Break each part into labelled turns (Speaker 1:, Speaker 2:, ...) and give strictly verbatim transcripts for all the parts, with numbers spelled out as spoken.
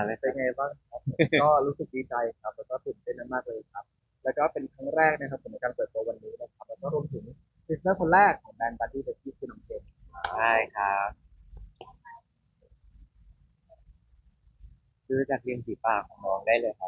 Speaker 1: เลยค
Speaker 2: เป็น
Speaker 1: รับ
Speaker 2: ไงบ้างครับก็รู้สึกดีใจครับแล้วก็ตื่นเต้นมากๆเลยครับแล้วก็เป็นครั้งแรกนะครับผมในการเปิดตัววันนี้นะครับแล้วก็รวมถึงพรีเซนเตอร์คนแรกของแบรนด์บัดดี้เบสตี้คือน้องเจน
Speaker 1: ใช่ครับดูจากริมฝีปากของน้องได้เลยครับ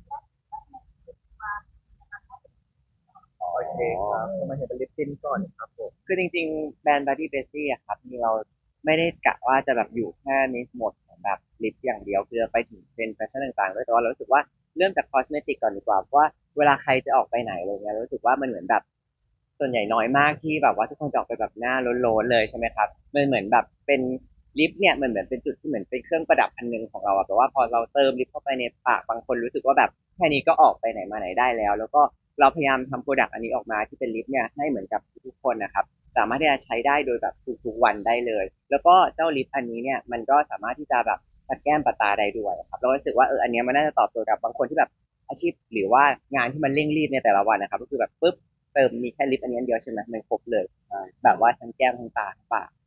Speaker 2: โอเค
Speaker 1: อ๋อ
Speaker 2: ครับทำไมเห็นเป็นลิปติ้นก่อนครับผม
Speaker 1: คือจริงๆแบรนด์ Body b e s t i e อะครับมีเราไม่ได้กะว่าจะแบบอยู่แค่นิสหมดของแบบลิปอย่างเดียวคือไปถึงเทรนด์แฟชั่นต่างๆด้วยแต่ว่าเรารู้สึกว่าเริ่มจากคอสเมติกก่อนดีกว่าเพราะว่าเวลาใครจะออกไปไหนอะไรเงี้ยเรารู้สึกว่ามันเหมือนแบบส่วนใหญ่น้อยมากที่แบบว่าทุกคนจะออกไปแบบหน้าโล้นๆเลยใช่ไหมครับมันเหมือนแบบเป็นลิปเนี่ยมันเหมือนเป็นจุดที่เหมือนเป็นเครื่องประดับอันหนึงของเราอะแต่ว่าพอเราเติมลิปเข้าไปในปากบางคนรู้สึกว่าแบบแค่นี้ก็ออกไปไหนมาไหนได้แล้วแล้วก็เราพยายามทำโปรดักต์อันนี้ออกมาที่เป็นลิปเนี่ยให้เหมือนกับทุกๆคนนะครับ สามารถที่จะใช้ได้โดยแบบทุกๆวันได้เลย แล้วก็เจ้าลิปอันนี้เนี่ยมันก็สามารถที่จะแบบปัดแก้มปัดตาได้ด้วยครับเรารู้สึกว่าเอออันเนี้ยมันน่าจะตอบโจทย์กับบางคนที่แบบอาชีพหรือว่างานที่มันเร่งรีบในแต่ละวันนะครับก็คือแบบปุ๊บเติมมีแค่ลิปอันนี้อันเดียวใช่ไหมมันครบเลยแบบว่าทั้งแก้มทั้งตาทั้งปาก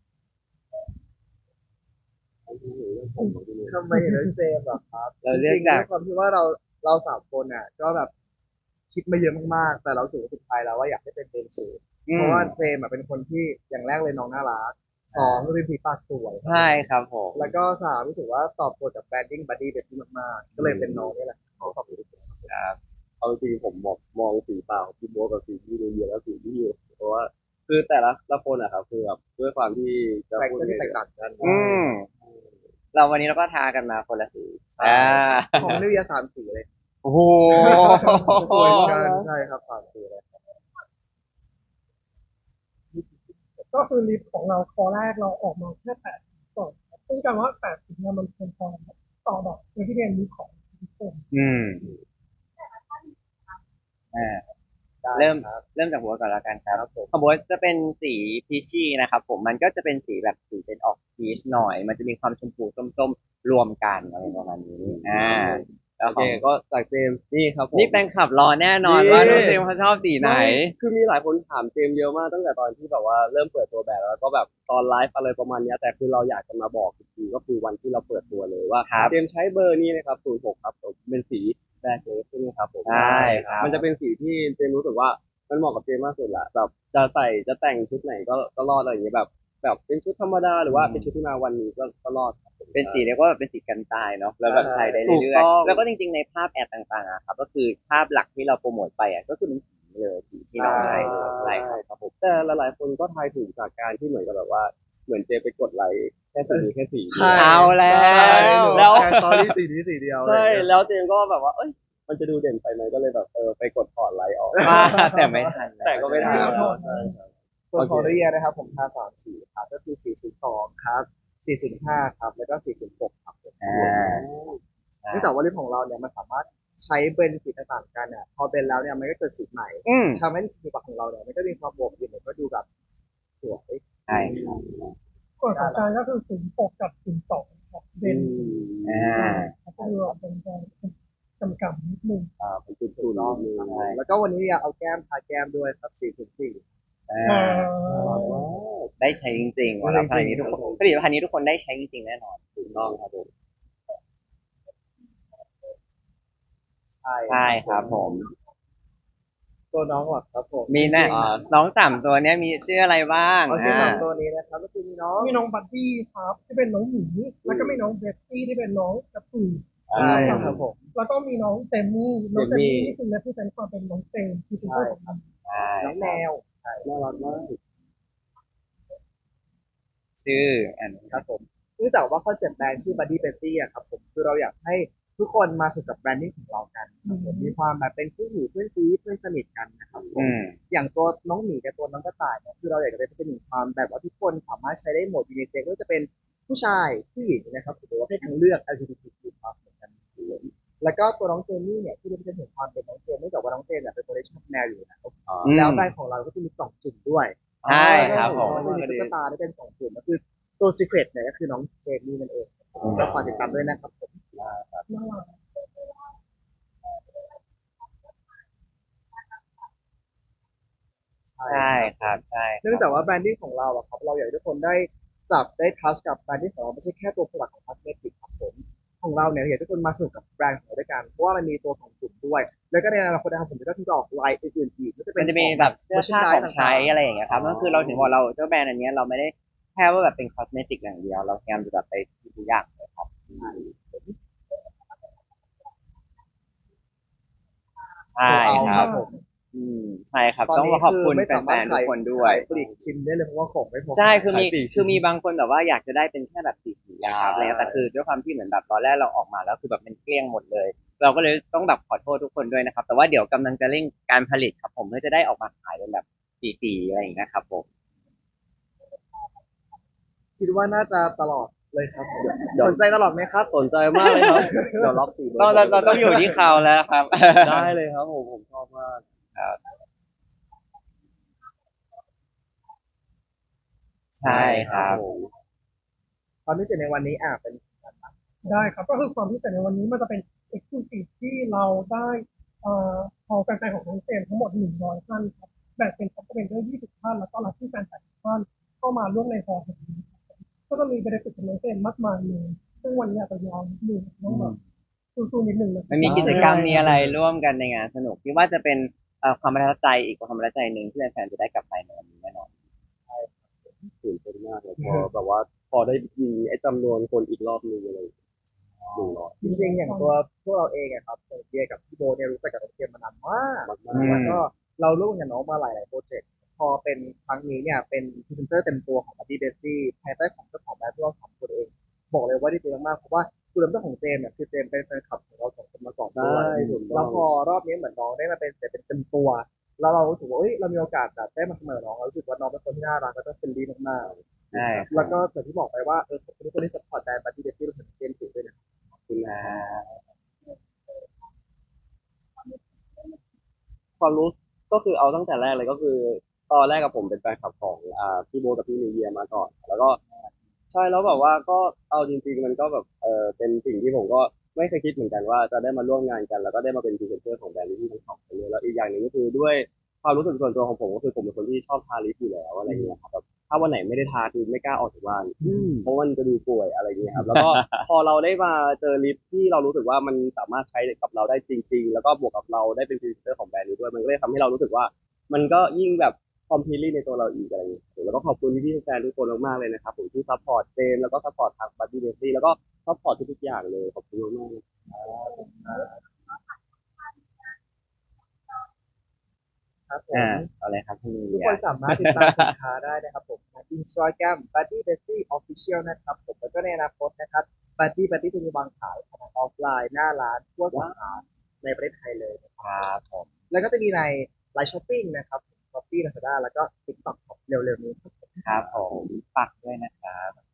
Speaker 2: ทำไมเห็นเป็นเจมส์อะครับ
Speaker 1: เรา
Speaker 2: จ
Speaker 1: เลือกจาก
Speaker 2: ริงๆด้วยความที่ว่าเราเราสามคนอ่ะก็แบบคิดมาเยอะมากๆแต่เรารู้สึกว่าสุดท้ายแล้วว่าอยากให้เป็นเจมส์สูเพราะ
Speaker 1: อืม
Speaker 2: ว่าเจมส์อะเป็นคนที่อย่างแรกเลยน้องน่ารักสองริมฝีปากสวยครับผ
Speaker 1: ใช่
Speaker 2: ม
Speaker 1: ครับผม
Speaker 2: แล้วก็สามรู้สึกว่าตอบโจทย์กับแบรนดิ้งบัดดี้เด็ดที่มากๆก็เลยเป็นน้องนี่แหละที่ตอบโจทย์
Speaker 1: ครับ
Speaker 3: เอาจริงๆผมมองมองสีเปล่าพี่โบ๊ทกับสีพี่เรียนแล้วสีพี่อยู่เพราะว่าคือแต่ละละคนอะครับคือแบบด้วยความที่จะ
Speaker 2: แตก
Speaker 3: พูด
Speaker 2: ต่างที่แตก
Speaker 3: ไงเดี๋ยว
Speaker 2: ต่างกัน
Speaker 1: อืมเราวันนี้เราก็ทากันมาคนละสี
Speaker 2: ใช่
Speaker 1: อ่า
Speaker 2: ของนิวยาสามสีเลย
Speaker 1: โอ้โห
Speaker 3: สวยมาก
Speaker 2: กัน
Speaker 3: นะ
Speaker 2: ใช่ครับสามสีเลย
Speaker 4: ก็คือลิฟต์ของเราคอแรกเราออกมาแค่แปดสิบก่อนครับซึ่งการว่าแปดสิบเนี่ยมันเป็นพอต่อแบบในที่เรียนรู้ของทุกคน
Speaker 1: อืมอ่า
Speaker 2: ได้
Speaker 1: เริ่ม
Speaker 2: ครับ
Speaker 1: เริ่มจากหัวก่อนแล้วกันครับ
Speaker 2: ครับผม
Speaker 1: ของบัวจะเป็นสีพีชชี่นะครับผมมันก็จะเป็นสีแบบสีเป็นออกพีชหน่อยมันจะมีความชมพูส้มๆรวมกันอะไรประมาณนี้อ่าแล้
Speaker 3: โอเค
Speaker 1: วของ
Speaker 3: ก็จากเจมส์นี่ครับผม
Speaker 1: นี่แฟนคลับรอแน่นอน
Speaker 3: นี่
Speaker 1: ว่าน้องเจมส์เขาชอบสีไหน
Speaker 3: ไม่คือมีหลายคนถามเจมส์เยอะมากตั้งแต่ตอนที่แบบว่าเริ่มเปิดตัวแบบแล้วก็แบบตอนไลฟ์อะไรประมาณเนี้ยแต่คือเราอยากจะมาบอกอีกทีก็คือวันที่เราเปิดตัวเลยว่า
Speaker 1: ครับ
Speaker 3: เจมส์ใช้เบอร์นี้นะครับศูนย์หกครับผมเป็นสีแบล็คเลสใช่ไหมครับผม
Speaker 1: ใช่ครับ
Speaker 3: มันจะเป็นสีที่เจมส์รู้สึกว่ามันเหมาะกับเจมส์มากสุดละแบบจะใส่จะแต่งชุดไหนก็ก็รอดอะไรอย่างเงี้ยแบบแบบเป็นชุดธรรมดาหรือว่าเป็นชุดที่มาวันนี้ก็ก็รอดครับผม
Speaker 1: เป็นสีเรียกว่าเป็นสีกันตายเนาะแล้วแบบ
Speaker 3: ใช่
Speaker 1: ใช้ได้
Speaker 3: ถูก
Speaker 1: เรื่อย
Speaker 3: ต้อง
Speaker 1: ๆแล้วก็จริงๆในภาพแอดต่างๆอะครับก็คือภาพหลักที่เราโปรโมทไปอ่ะก็คือเป็นสีนี้เลยสีที่
Speaker 2: ใช่
Speaker 1: น้องใช้เลยใช่
Speaker 3: ใช่
Speaker 1: ครับ
Speaker 3: ครับผมแต่หลายๆคนก็ทายถูกจากการที่เหมือนกับแบบว่าเหมือนเจไปกดไลค์แค่สีนี้แค่สีเดี
Speaker 2: ใช่
Speaker 3: ยว
Speaker 1: เอาแล้
Speaker 3: ใช่
Speaker 2: ใช่
Speaker 1: ว
Speaker 2: หนู
Speaker 1: แล้ว
Speaker 2: แชร์สตอรี่สีนี้สีเดียวอะไร
Speaker 3: ใช่
Speaker 2: อย่างเงี้ย
Speaker 3: แล้วเจมก็แบบว่าเอ้ยมันจะดูเด่นไปไหมก็เลยแบบเออไปกดถอนไลค์ออก
Speaker 1: ว่าแต่ไม่ทัน
Speaker 3: แต่
Speaker 1: แล้ว
Speaker 3: ก็ไม่ทัน
Speaker 4: ที่เราถ
Speaker 3: แล้ว
Speaker 4: อดมา
Speaker 3: ใช่ครับ
Speaker 2: ส่วน
Speaker 3: โอเค
Speaker 2: ของเรียนะครับผมทาสามสีครับก็คือสี่ศูนย์สองครับสี่ศูนย์ห้าครับแล้วก็สี่ศูนย์หกครับผม
Speaker 1: อ่
Speaker 3: สวยมา
Speaker 1: า
Speaker 3: ก
Speaker 1: ใช่
Speaker 2: เนื่องจากว่าลิปของเราเนี่ยมันสามารถใช้เบนสีต่างๆกันเนี่ยพอเบนแล้วเนี่ยมันก็เกิดสีใหม่
Speaker 1: อืม
Speaker 2: ทำให้สีปากของเราเนี่ยมันก็มีความโบกอยู่มันก็ดูแบบสวย
Speaker 1: ใช่ครับ
Speaker 4: ส่วนของการก็คือศูนย์หกกับศูนย์สองครับเบ
Speaker 3: อื
Speaker 4: น
Speaker 1: อ่
Speaker 3: ม
Speaker 4: อ่า
Speaker 1: า
Speaker 4: ก็คือเป็นการจำกัดนิดนึง
Speaker 3: อ่าเป็นจุด
Speaker 2: ถูกต้อง
Speaker 3: ๆนิดนึง
Speaker 2: ครับ
Speaker 1: ใช่
Speaker 2: แล้วก็วันนี้อยากเอาแก้มทาแก้มด้วยครับสี่ศูนย์สี่
Speaker 1: อ่
Speaker 4: อ่
Speaker 1: า
Speaker 3: น่ารัก
Speaker 4: า
Speaker 3: มาก
Speaker 1: ได้ใช้จริงๆว่าแล้วผลิตภัณฑ์นี้ทุกคน
Speaker 2: จริงๆครับผม
Speaker 1: ผลิตภัณฑ์นี้ทุกคนได้ใช้จริงๆแน่นอน
Speaker 3: ถูกต้องครับผม
Speaker 2: ใช่
Speaker 1: ใช่ครับผม
Speaker 2: ตัวน้องหรอครับผม
Speaker 1: มีแน่
Speaker 2: จริง
Speaker 1: น้องสามตัวเนี้ยมีชื่ออะไรบ้าง
Speaker 2: ๆโอเค
Speaker 1: อ่า
Speaker 2: สามตัวนี้นะครับก็คือมีน้อง
Speaker 4: มีน้องบัดดี้ครับที่เป็นน้องหมีแล้วก็มีน้องเบสตี้ที่เป็นน้องกระปุก
Speaker 2: ใช่
Speaker 1: อืม
Speaker 2: ครับผม
Speaker 4: แล้วก็มีน้องเจมมี่น้องเจม
Speaker 3: เจมมี่
Speaker 4: มี่นี่คือเรปเซนต์ความเป็นน้องเจมคือเป็น
Speaker 2: ใช่
Speaker 4: ตัวของมัน
Speaker 2: ครับ
Speaker 1: ใช่
Speaker 2: น้องแม
Speaker 1: ครับ
Speaker 2: ว
Speaker 3: น่ารักมาก
Speaker 1: ชื่ออัน
Speaker 2: ครับผมเนื่องจากว่าคอนเซ็ปต์แบรนด์ชื่อ Buddy Betty อะครับผมคือเราอยากให้ทุกคนมาสนุกกับแบรนดิ้งของเรากันครับผมมีความแบบเป็นเพื่อนหูเพื่อนซีเพื่อนสนิทกันนะครับผม
Speaker 1: อืม
Speaker 2: อย่างตัวน้องหมีกับตัวน้องกระต่ายเนี่ยคือเราอยากจะเป็นหนึ่งความแบบว่าทุกคนสามารถใช้ได้หมดยูนิเซ็กก็จะเป็นผู้ชายผู้หญิงนะครับหรือว่าเพศทางเลือก แอล จี บี ที คิว ครับเหมือนกันเลยแล้วก็ตัวน้องเจมี่เนี่ยที่เราจะเห็นความเป็นน้องเจมเนื่องจากว่าน้องเจมเนี่ยเป็นคนที่ชอบแมวอยู่แล้ว
Speaker 3: อ๋อ
Speaker 1: อืม
Speaker 2: แล้วแบรนด์ของเราก็จะมีกล่องสุ่มด้วย
Speaker 1: ใช่
Speaker 3: ได้
Speaker 1: ครับผม
Speaker 3: ผมชอบ
Speaker 2: ก็จะมี
Speaker 3: มากเลย
Speaker 2: ตุ๊กตาได้เป็นสองกลุ่มก็คือตัว Secret เนี่ยก็คือน้องเจมมี่นั่นเองก็ฝากติดตามด้วยนะครับผม
Speaker 4: น่ารัก
Speaker 2: ใช่
Speaker 1: ใช่
Speaker 2: ครับ
Speaker 1: ครับใช่ค
Speaker 2: เนื่อง
Speaker 1: รับ
Speaker 2: จากว่าแบรนดิ้งของเราอะครับเราอยากให้ทุกคนได้จับได้ทัชกับแบรนดิ้งของเราไม่ใช่แค่ตัวผลิตของคอสเมติกครับผมของเราเนี่ยอยากให้ทุกคนมาสนุกกับแบรนด์ของเราด้วยกันเพราะว่ามันมีตัวของจุ่มด้วย แล้วก็ในอนาคตนะครับผมก็ที่จะออกไลน์อื่นๆอีกก็จะเป็
Speaker 1: มัน
Speaker 2: น
Speaker 1: จะมี
Speaker 2: ของ
Speaker 1: แบบเสื้อผ้าของ
Speaker 2: merchandise
Speaker 1: ใช้อะไรอย่างเงี้ยครับ
Speaker 3: อ๋อ
Speaker 1: ก็คือเราถึงบอกเราเจ้าแบรนด์อันเนี้ยเราไม่ได้แค่ว่าแบบเป็นคอสเมติกอย่างเดียว เราพยายามจะแบบไปทุกอย่างเลยครับใช่
Speaker 2: เอา
Speaker 1: ค
Speaker 2: ค
Speaker 1: รั
Speaker 2: รั
Speaker 1: บบ
Speaker 2: ผม
Speaker 1: อืมใช่ครับ
Speaker 2: ตอน
Speaker 1: ต้อง
Speaker 2: นี้
Speaker 1: ขอบ
Speaker 2: คือ
Speaker 1: คุณ
Speaker 2: ไม่
Speaker 1: แฟ
Speaker 2: สามารถ
Speaker 1: นๆทุ
Speaker 2: ขาก ย
Speaker 1: คนด้วย
Speaker 2: ขายปลีกชิ้นได้เลยเพราะว่าของไม่พอ
Speaker 1: ใช่คือมี
Speaker 3: ขายปลีก
Speaker 1: คือมีบางคนแบบว่าอยากจะได้เป็นแค่แบบสีสีๆนะครับอะไรเงี้ยแต่คือด้วยความที่เหมือนแบบตอนแรกเราออกมาแล้วคือแบบมันเกลี้ยงหมดเลย เราก็เลยต้องแบบขอโทษทุกคนด้วยนะครับ แต่ว่าเดี๋ยวกำลังจะเร่งการผลิตครับผมเพื่อจะได้ออกมาขายเป็นแบบสีๆอะไรอย่างเงี้ยครับผม
Speaker 2: คิดว่าน่าจะตลอดเลยครับ
Speaker 3: เดี๋ยว
Speaker 2: สนใจตลอดไหมครับ
Speaker 3: สนใจมากเลยครับ เดี๋ยวล็อกสี่เบอร์
Speaker 1: ต้องเราเราต้องอยู่ที่เขาแล้วครับ
Speaker 3: ได้เลยครับผมผมชอบมาก
Speaker 1: ใช่ครับ
Speaker 3: ผม
Speaker 2: ความพิเศษในวันนี้อ่ะเป็น
Speaker 4: ได้ครับก็คือความพิเศษในวันนี้มันจะเป็น exclusive ที่เราได้เอ่อเอาแฟนๆของน้องเจมส์ทั้งหมดหนึ่งร้อยท่านครับแบ่งเป็นท็อปเป็นด้วยยี่สิบท่านแล้วก็ลัคกี้แฟนแปดสิบท่านเข้ามาร่วมในฮอลล์แห่งนี้ครับก็จะมีเบนฟิตของน้องเจมส์มากมายเลยซึ่งวันนี้อาจจะยาวนิดนึงต้องแบบสู้ๆนิดนึงนะ
Speaker 1: มันมีกิจกรรมมีอะไรร่วมกันในงานสนุกที่ว่าจะเป็นเอ่อความประทับใจอีกความประทับใจหนึ่งที่แฟนๆจะได้กลับไปในวันนี้แน่นอน
Speaker 3: ตื่นเต้นมากเลยพอแบบว่าพอได้ยินไอ้จำนวนคนอีกรอบนึงอะไรหนึ่งร้อย
Speaker 2: จริงๆอย่างตัวพวกเราเองอะครับอย่างเบียร์กับพี่โบเนี่ยรู้จักกับน้องเจมส์มานานมาก
Speaker 3: มาก
Speaker 1: อืม
Speaker 2: แล้วก็เราร่วมกับน้องมาหลายๆโปรเจกต์พอเป็นครั้งนี้เนี่ยเป็นพรีเซนเตอร์เต็มตัวของ Buddy Bestie ภายใต้ของเจ้าของแบรนด์ที่เราสองคนเอง บอกเลยว่าดีใจมากๆเพราะว่าคือเริ่มต้นของเจมส์เนี่ยคือเจมส์เป็นแฟนคลับของเราสองคนมาก่อน
Speaker 3: ใช่
Speaker 2: ด้วย
Speaker 3: ถูกต้
Speaker 2: แล้
Speaker 3: อ
Speaker 2: ว
Speaker 3: ง
Speaker 2: พอรอบนี้เหมือนน้องได้มาเป็นแต่เป็นเต็มตัว แล้วเรารู้สึกว่าเอ้ยเรามีโอกาสแบบได้มาเสมอน้องเรารู้สึกว่าน้องเป็นคนที่น่ารักแล้วก็เฟรนลี่มาก
Speaker 1: ใช่
Speaker 2: ๆแล้วก็อย่างที่บอกไปว่าเออขอบคุณทุกคนที่สปอร์ตแบรนด์ Buddy Bestie รวมถึงเจมส์ด้วยนะ
Speaker 3: ขอบคุณ
Speaker 1: อ่า
Speaker 3: นะความรู้ก็คือเอาตั้งแต่แรกเลยก็คือตอนแรกกับผมเป็นแฟนคลับของอ่าพี่โบทกับพี่นิวเยียร์มาก่อน แล้วก็ใช่แล้วแบบว่าก็เอาจริงๆมันก็แบบเออเป็นสิ่งที่ผมก็ไม่เคยคิดเหมือนกันว่าจะได้มาร่วมงานกันแล้วก็ได้มาเป็นพรีเซนเตอร์ของแบรนด์ที่ทั้งสองคนเลยแล้วอีกอย่างหนึ่งก็คือด้วยความรู้สึกส่วนตัวของผมก็คือผมเป็นคนที่ชอบทาลิปอยู่แล้วอะไรเงี้ยครับแบบถ้าวันไหนไม่ได้ทาคือไม่กล้าออกจากบ้านเพราะมันจะดูป่วยอะไรเงี้ยครับแล้วก็ พอเราได้มาเจอลิปที่เรารู้สึกว่ามันสามารถใช้กับเราได้จริงๆ แล้วก็บวกกับเราได้เป็นพรีเซนเตอร์ของแบรนด์นี้ด้วยมันก็เลยทำให้เรารู้สึกว่า มันก็ยิ่งแบบคอมพลีทในตัวเราอีกอะไรอย่างเงี้ยแล้วก็ขอบคุณพี่ๆแฟนๆทุกคนมากๆเลยนะครับผมที่ซัพพอร์ตเจมส์แล้วก็ซัพพอร์ตทางบัดดี้เดซี่แล้วก็ซัพพอร์ตทุกๆอย่างเลยขอบคุณมากๆเลย
Speaker 2: ครับผ
Speaker 1: อ่าม เอาเลยครับพี่
Speaker 2: ทุก
Speaker 1: เลี
Speaker 2: ค
Speaker 1: ย
Speaker 2: นสามารถติดตามสินค้าได้นะครับผมใน Instagram Buddy Bestie Official นะครับผมแล้วก็ในอนาคตนะครับ Buddy Buddy จะมีวางขายทางออฟไลน์หน้าร้านทั่วสาขาในประเทศไทยเลยนะค
Speaker 1: ครับ รับผม
Speaker 2: แล้วก็จะมีในไลน์ช้อปปิ้งนะครับ Shopee Lazada แล้วก็ TikTok ครับเร็วๆนี้ครับ
Speaker 1: ครับผมฝากด้วยนะครับ